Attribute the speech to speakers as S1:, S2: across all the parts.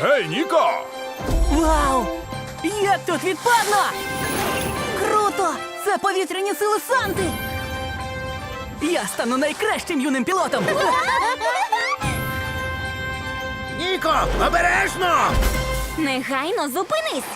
S1: Гей, Ніко!
S2: Вау! Як тут відпадно! Круто! Це повітряні сили Санти! Я стану найкращим юним пілотом!
S3: Ніко, обережно!
S4: Негайно зупинись!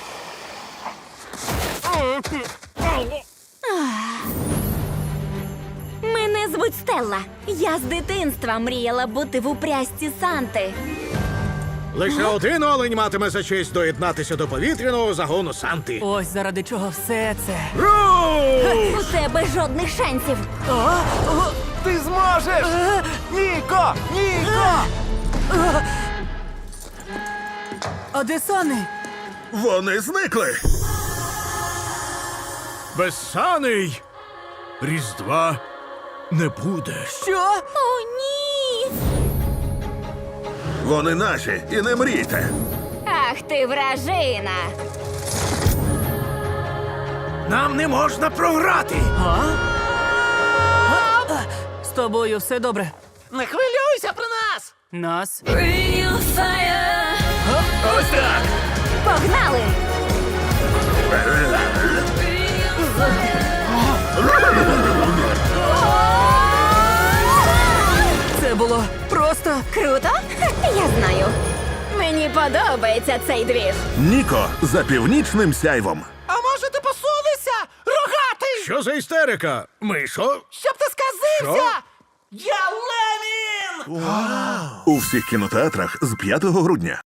S4: Мене звуть Стелла. Я з дитинства мріяла бути в упряжці Санти.
S3: Лише один олень матиме за честь доєднатися до повітряного загону Санти.
S2: Ось заради чого все це.
S3: Ру!
S4: У тебе жодних шансів.
S1: Ти зможеш! Ніко! Ніко!
S2: А де Сани?
S3: Вони зникли. Безсаний Різдва не буде.
S2: Що?
S4: О, ні!
S3: Вони наші, і не мрійте.
S4: Ах ти вражина!
S3: Нам не можна програти.
S2: З тобою все добре.
S5: Не хвилюйся про нас!
S2: Нас?
S1: Ось так!
S4: Погнали!
S2: Це було просто.
S4: Круто? Я знаю. Мені подобається цей двіж.
S6: Ніко за північним сяйвом.
S5: А може ти посунешся? Рогатий!
S3: Що за істерика? Мишо?
S5: Щоб ти сказився! Я Ленін!
S6: У всіх кінотеатрах з 5 грудня.